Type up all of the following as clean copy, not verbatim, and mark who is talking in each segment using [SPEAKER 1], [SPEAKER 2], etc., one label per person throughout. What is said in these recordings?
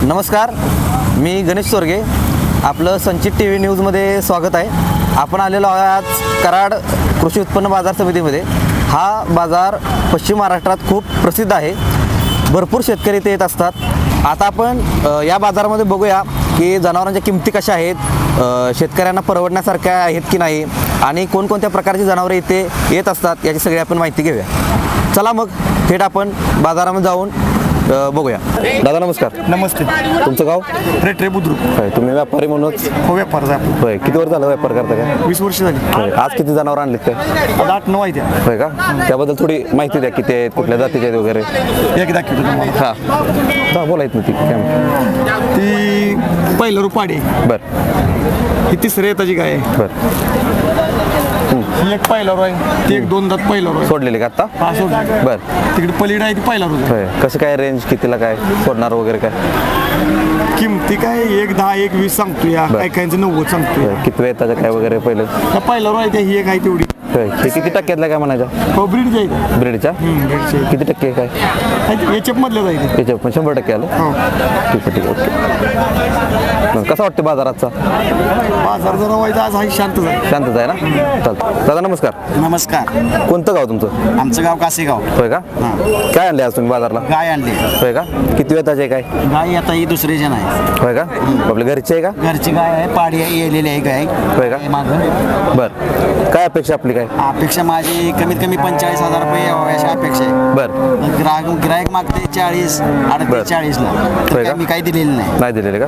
[SPEAKER 1] नमस्कार, मी गणेश सोरगे. आपलं संचित टी व्ही न्यूजमध्ये स्वागत आहे. आपण आलेलो आहोत आज कराड कृषी उत्पन्न बाजार समितीमध्ये. हा बाजार पश्चिम महाराष्ट्रात खूप प्रसिद्ध आहे. भरपूर शेतकरी इथे येत असतात. आता आपण या बाजारामध्ये बघूया की जनावरांच्या किमती कशा आहेत, शेतकऱ्यांना परवडण्यासारख्या आहेत की नाही, आणि कोणकोणत्या प्रकारची जनावरे इथे येत असतात याची सगळी आपण माहिती घेऊया. चला मग थेट आपण बाजारामध्ये जाऊन बघूया. दादा नमस्कार.
[SPEAKER 2] नमस्ते.
[SPEAKER 1] तुमचं गाव?
[SPEAKER 2] रेट रे बुद्रुक.
[SPEAKER 1] होय, तुम्ही व्यापारी म्हणूनच?
[SPEAKER 2] हो, व्यापार आहे.
[SPEAKER 1] होय, किती वर्ष झालं व्यापार करता काय?
[SPEAKER 2] 20 वर्ष झाली.
[SPEAKER 1] होय. आज किती जनावर आणलेत काय?
[SPEAKER 2] आता 8-9 आहे त्या.
[SPEAKER 1] होय का? त्याबद्दल थोडी माहिती द्या, किती आहेत, कुठल्या जातीचे आहेत वगैरे.
[SPEAKER 2] एक दाखवतो तुम्हाला.
[SPEAKER 1] हां बोलायत ना ती काय?
[SPEAKER 2] ती पहिलं रुपाडी.
[SPEAKER 1] बरं
[SPEAKER 2] ही तिसऱ्या येताची गाय आहे.
[SPEAKER 1] बरं.
[SPEAKER 2] ही एक पहिला रो आहे. ती एक 2 दात पहिला रो आहे.
[SPEAKER 1] सोडलेले का आत्ता?
[SPEAKER 2] हा सोडली.
[SPEAKER 1] बरं.
[SPEAKER 2] तिकडे पलीड आहे ती पहिला रो आहे.
[SPEAKER 1] होय. कसं काय रेंज, कितीला काय सोडणार वगैरे काय?
[SPEAKER 2] किमती काय 1-10 1-20 सांगतो या.
[SPEAKER 1] बरं.
[SPEAKER 2] काही काहींचं 90 सांगतो.
[SPEAKER 1] होय. किती वेळ त्याचं काय वगैरे पहिलं?
[SPEAKER 2] त्या पहिला रो आहे त्या ही एक आहे तेवढी.
[SPEAKER 1] होय. ते किती टक्क्यातला काय म्हणायचं?
[SPEAKER 2] हो, ब्रीड जाईल.
[SPEAKER 1] ब्रेडच्या किती टक्के काय?
[SPEAKER 2] एचएफ मधल्या जाईल.
[SPEAKER 1] त्याच्या पण 100% आलं.
[SPEAKER 2] हो.
[SPEAKER 1] ठीक आहे, ठीक आहे, ओके. कसं वाटतं बाजाराचा?
[SPEAKER 2] बाजार जरा व्हायचा आज हा शांत झाला.
[SPEAKER 1] शांतच आहे ना? चालतं. दादा नमस्कार.
[SPEAKER 3] नमस्कार.
[SPEAKER 1] कोणतं गाव तुमचं?
[SPEAKER 3] आमचं गाव कासेगाव.
[SPEAKER 1] होय का? काय आणले आज तुम्ही बाजारला?
[SPEAKER 3] गाय आणली.
[SPEAKER 1] होय का? किती वेताचे काय?
[SPEAKER 3] गाय आता ही दुसरी जण आहे.
[SPEAKER 1] होय का? आपल्या घरची आहे का?
[SPEAKER 3] घरची गाय आहे. पाडी आहे, येलेली आहे गाय.
[SPEAKER 1] होय का?
[SPEAKER 3] मागं
[SPEAKER 1] बरं. काय अपेक्षा आपली काय?
[SPEAKER 3] अपेक्षा माझी कमीत कमी 45,000 रुपये यावं अशी अपेक्षा आहे.
[SPEAKER 1] बरं.
[SPEAKER 3] गिरायक मागते 40,
[SPEAKER 1] बरं.
[SPEAKER 3] 38-40ला.
[SPEAKER 1] होय का?
[SPEAKER 3] मी काही दिलेली नाही.
[SPEAKER 1] नाही दिलेले का?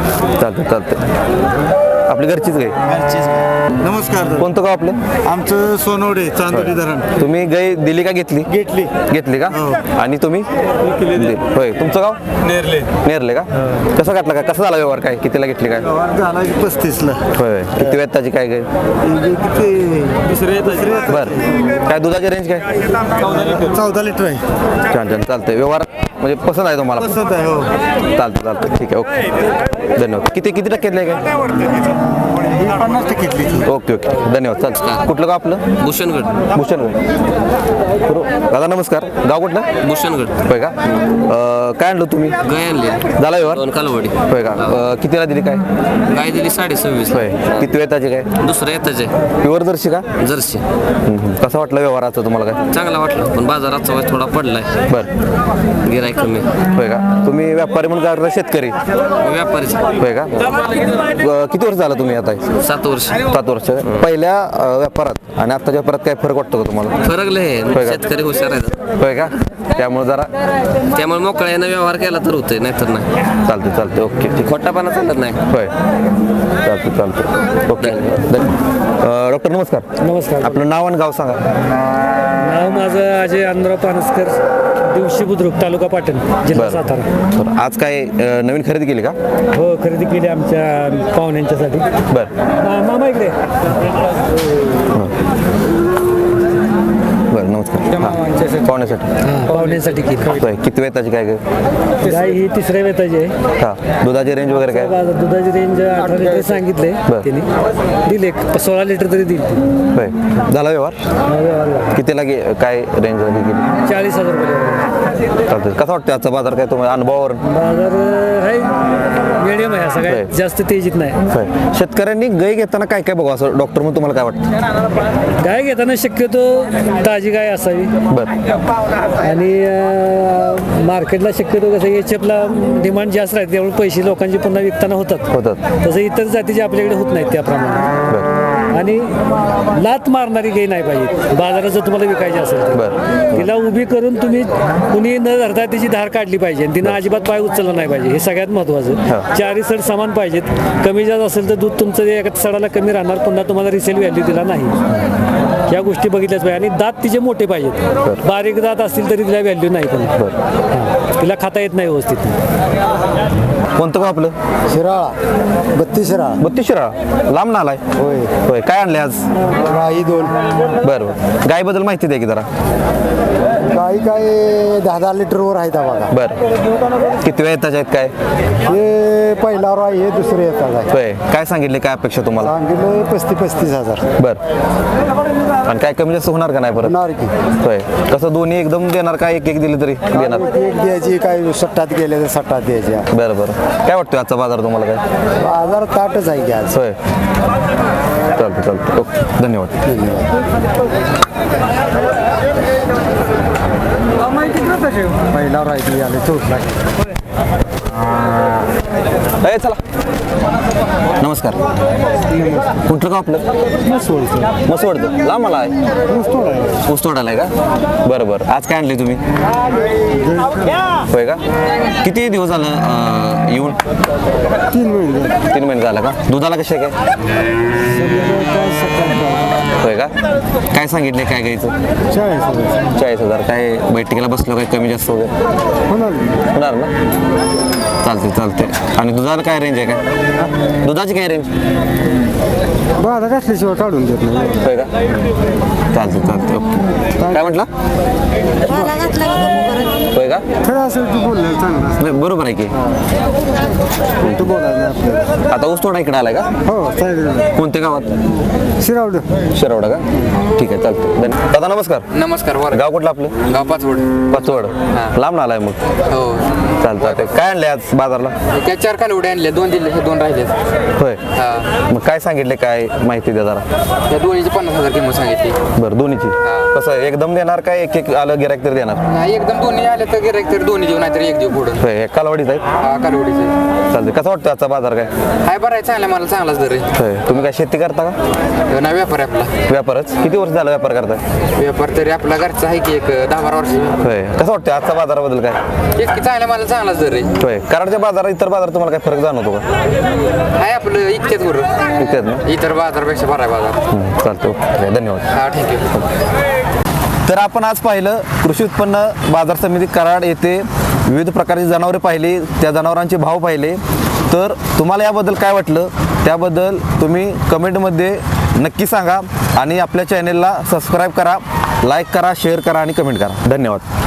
[SPEAKER 1] चालतं. आपली घरचीच गाय.
[SPEAKER 3] घरचीच गाय.
[SPEAKER 2] नमस्कार.
[SPEAKER 1] कोणतं गाव आपलं?
[SPEAKER 2] आमचं सोनवडे चांदोली धरण.
[SPEAKER 1] तुम्ही गाय दिली का घेतली? घेतली का? आणि तुम्ही? होय. तुमचं गाव? नेरले का? कसं घातलं का? कसा झाला व्यवहार? काय कितीला घेतली काय?
[SPEAKER 2] झाला 35ला.
[SPEAKER 1] होय. किती वेताची काय गाय? बरं. काय दुधाची रेंज काय?
[SPEAKER 2] 14 लिटर आहे.
[SPEAKER 1] छान चालतंय. व्यवहार म्हणजे पसंत आहे तुम्हाला?
[SPEAKER 2] पसंत आहे. हो.
[SPEAKER 1] चालतं. ठीक आहे, ओके. धन्यवाद. किती टक्क्यातलं आहे काय?
[SPEAKER 2] 50%
[SPEAKER 1] ओके. धन्यवाद. चालतं. कुठलं गाव आपलं?
[SPEAKER 4] भूषणगड.
[SPEAKER 1] दादा नमस्कार. गाव कुठलं?
[SPEAKER 4] भूषणगड.
[SPEAKER 1] होय का? काय आणलं तुम्ही?
[SPEAKER 4] गाय आणली
[SPEAKER 1] झाला व्यवहार?
[SPEAKER 4] 2 कालवडी.
[SPEAKER 1] होय का? कितीला दिली काय?
[SPEAKER 4] गाय दिली 26.5.
[SPEAKER 1] होय. किती वेताची काय?
[SPEAKER 4] दुसरं येताच आहे
[SPEAKER 1] प्युअर जर्सी का?
[SPEAKER 4] जर्सी.
[SPEAKER 1] कसा वाटला व्यवहाराचा तुम्हाला काय?
[SPEAKER 4] चांगला वाटला, पण बाजाराचा वाज थोडा पडलाय.
[SPEAKER 1] बरं.
[SPEAKER 4] गिराईक कमी.
[SPEAKER 1] होय का? तुम्ही व्यापारी म्हणून करता शेतकरी?
[SPEAKER 4] व्यापारीच.
[SPEAKER 1] होय का? किती वर्ष झालं तुम्ही आता?
[SPEAKER 4] 7 वर्ष.
[SPEAKER 1] 7 वर्ष. पहिल्या व्यापारात आणि आत्ताच्या व्यापारात काय फरक वाटतो का तुम्हाला?
[SPEAKER 4] फरक लय
[SPEAKER 1] होय
[SPEAKER 4] आहे.
[SPEAKER 1] का?
[SPEAKER 4] शेतकरी हुशार आहेत,
[SPEAKER 1] होय का? त्यामुळे जरा
[SPEAKER 4] त्यामुळे मोकळ्यानं व्यवहार केला तर होतंय, नाहीतर नाही.
[SPEAKER 1] चालते. ओके. ठीक.
[SPEAKER 4] खोटापणा चालत नाही.
[SPEAKER 1] होय. चालते. ओके. डॉक्टर नमस्कार. आपलं नाव आणि गाव सांगा.
[SPEAKER 5] नाव माझं अजय आनंदराव पानसकर, दिवशी बुद्रुक, तालुका पाटण, जिल्हा सातारा.
[SPEAKER 1] बरं. आज काय नवीन खरेदी केली का?
[SPEAKER 5] हो, खरेदी केली आमच्या पाहुण्यांच्यासाठी.
[SPEAKER 1] बरं.
[SPEAKER 5] मामा इकडे.
[SPEAKER 1] बरं. नमस्कार. पाहुण्यासाठी
[SPEAKER 5] पाहुण्यांसाठी केली.
[SPEAKER 1] होय. किती वेताची काय
[SPEAKER 5] गाय ही तिसऱ्या वेताची आहे.
[SPEAKER 1] हा. दुधाची रेंज वगैरे काय?
[SPEAKER 5] दुधाची रेंज 18 लिटर सांगितले
[SPEAKER 1] बरं.
[SPEAKER 5] त्यांनी. दिले 16 लिटर तरी दिली.
[SPEAKER 1] होय. झाला व्यवहार? कितीला काय रेंज झाली गेली?
[SPEAKER 5] 40,000 रुपये.
[SPEAKER 1] चालतं. कसा वाटतं आजचा बाजार? काय तुम्हाला अनुभवावर?
[SPEAKER 5] बाजार आहे मिडियम आहे, असं
[SPEAKER 1] होय.
[SPEAKER 5] काय जास्त तेजीत नाही.
[SPEAKER 1] होय. शेतकऱ्यांनी गाय घेताना काय बघू असं डॉक्टर म्हणून तुम्हाला काय वाटतं?
[SPEAKER 5] गाय घेताना शक्यतो ताजी गाय असावी.
[SPEAKER 1] बरं.
[SPEAKER 5] आणि मार्केटला शक्यतो कसं एचएफला डिमांड जास्त राहते, त्यामुळे पैसे लोकांचे पुन्हा विकताना होतात. तसं इतर जातीचे आपल्याकडे होत नाहीत त्याप्रमाणे.
[SPEAKER 1] बरं.
[SPEAKER 5] आणि लात मारणारी गाय नाही पाहिजे बाजारात जर तुम्हाला विकायची असेल तर.
[SPEAKER 1] बरं.
[SPEAKER 5] तिला उभी करून तुम्ही कुणी न धरता त्याची धार काढली पाहिजे आणि तिनं अजिबात पाय उचलला नाही पाहिजे. हे सगळ्यात महत्त्वाचं. चारी सड समान पाहिजेत. कमी जास्त असेल तर दूध तुमचं एका सडाला कमी राहणार, पुन्हा तुम्हाला रिसेल व्हॅल्यू दिला नाही. या गोष्टी बघितल्याच पाहिजे. आणि दात तिचे मोठे पाहिजेत. बारीक दात असतील तरी तिला व्हॅल्यू नाही, पण तिला खाता येत नाही व्यवस्थित.
[SPEAKER 1] कोणतं गाव आपलं?
[SPEAKER 2] शिराळा 32 शिराळा.
[SPEAKER 1] 32 शिराळा. लांब ना आलाय? होय. काय आणले आज?
[SPEAKER 2] गाई 2.
[SPEAKER 1] बरं. गायबद्दल माहिती द्या की जरा.
[SPEAKER 2] काही काय 10-10 लिटरवर आहेत बघा.
[SPEAKER 1] बरं किती वेळ येताचे आहेत काय
[SPEAKER 2] हे पहिल्यावर आहे, हे दुसरे येतात आहे.
[SPEAKER 1] होय काय सांगितले काय अपेक्षा तुम्हाला
[SPEAKER 2] सांगितलं 35,000.
[SPEAKER 1] बरं आणि काय कमी जास्त होणार का नाही परत
[SPEAKER 2] होणार की
[SPEAKER 1] होय कसं दोन्ही एकदम देणार का एक एक दिली तरी देणार
[SPEAKER 2] एक द्यायची, काय सट्टात गेले तर सट्टात द्यायच्या.
[SPEAKER 1] बरं बरं काय वाटतं आजचा बाजार तुम्हाला काय
[SPEAKER 2] बाजार ताटच आहे की आज.
[SPEAKER 1] होय चालतं ओके धन्यवाद
[SPEAKER 2] पहिल्यावर आहे ती आले चौथला.
[SPEAKER 1] ए चला नमस्कार कुठलं का आपलं मसवडचं लांब मला आहे ऊस तोडायला आहे का बरं आज काय आणले तुम्ही होय का किती दिवस झालं येऊन 3 महिने झालं का दुधाला कसे काय होय का काय सांगितले काय घ्यायचं 40,000 काय बैठकीला बसलो काय कमी जास्त वगैरे होणार ना चालते आणि दुधाला काय रेंज आहे काय दुधाची काय रेंज
[SPEAKER 2] बाजार असल्याशिवाय काढून देत नाही.
[SPEAKER 1] होय का चालते ओके काय म्हटलं होय का
[SPEAKER 2] खरं असेल तू बोललं चांगलं.
[SPEAKER 1] नाही, बरोबर आहे की
[SPEAKER 2] तू बोलायला नाही आपल्याला.
[SPEAKER 1] आता ऊस तोडा इकडे आलाय का
[SPEAKER 2] हो चालेल.
[SPEAKER 1] कोणत्या गावात
[SPEAKER 2] शिरावडं.
[SPEAKER 1] शिरवडा का ठीक आहे चालतं धन्यवाद दादा नमस्कार
[SPEAKER 4] नमस्कार बरं
[SPEAKER 1] गाव कुठलं आपलं
[SPEAKER 4] गाव पाचवड
[SPEAKER 1] पाचवड लांब आलाय मग
[SPEAKER 4] हो
[SPEAKER 1] चालतं काय आणले आज बाजारला
[SPEAKER 4] त्या 4 कालवडे आणले 2 दिले हे 2 राहिले
[SPEAKER 1] होय
[SPEAKER 4] हा
[SPEAKER 1] मग काय सांगितले काय माहिती द्या जरा
[SPEAKER 4] त्या दोन्हीची 50,000 किंमत सांगितली
[SPEAKER 1] बरं दोन्हीची कसं एकदम देणार काय एक एक आलं गिरायक तरी देणार
[SPEAKER 4] नाही एकदम दोन्ही आले तर गिरायक तर दोन्ही देऊ नाहीतर एक देऊ पुढं
[SPEAKER 1] होय एक कालवाडीच आहे
[SPEAKER 4] हा कालवडीचे
[SPEAKER 1] चालते कसं वाटतं आजचा बाजार काय
[SPEAKER 4] हाय बरं आहे चांगला मला चांगलाच दर आहे
[SPEAKER 1] होय तुम्ही काय शेती करता का
[SPEAKER 4] ना व्यापार आहे आपला
[SPEAKER 1] व्यापारच किती वर्ष झालं व्यापार करताय
[SPEAKER 4] व्यापार तरी आपला घरचा आहे की एक 10-12 वर्ष
[SPEAKER 1] होय कसं वाटतं आजचा बाजाराबद्दल काय
[SPEAKER 4] एक की चांगला मला चांगलाच दर आहे
[SPEAKER 1] होय कराडच्या बाजारात इतर बाजार तुम्हाला काय फरक जाणवतो का
[SPEAKER 4] आहे आपलं इतकेच बरं
[SPEAKER 1] इतकेच ना
[SPEAKER 4] इतर बाजारपेक्षा बरा आहे बाजार
[SPEAKER 1] चालतो ओके धन्यवाद
[SPEAKER 4] हा थँक्यू
[SPEAKER 1] तर आपण आज पाहिलं कृषी उत्पन्न बाजार समिती कराड येथे विविध प्रकारची जनावरे पाहिली त्या जनावरांचे भाव पाहिले तर तुम्हाला याबद्दल काय वाटलं त्याबद्दल तुम्ही कमेंटमध्ये नक्की सांगा आणि आपल्या चॅनेलला सबस्क्राईब करा लाईक करा शेअर करा आणि कमेंट करा धन्यवाद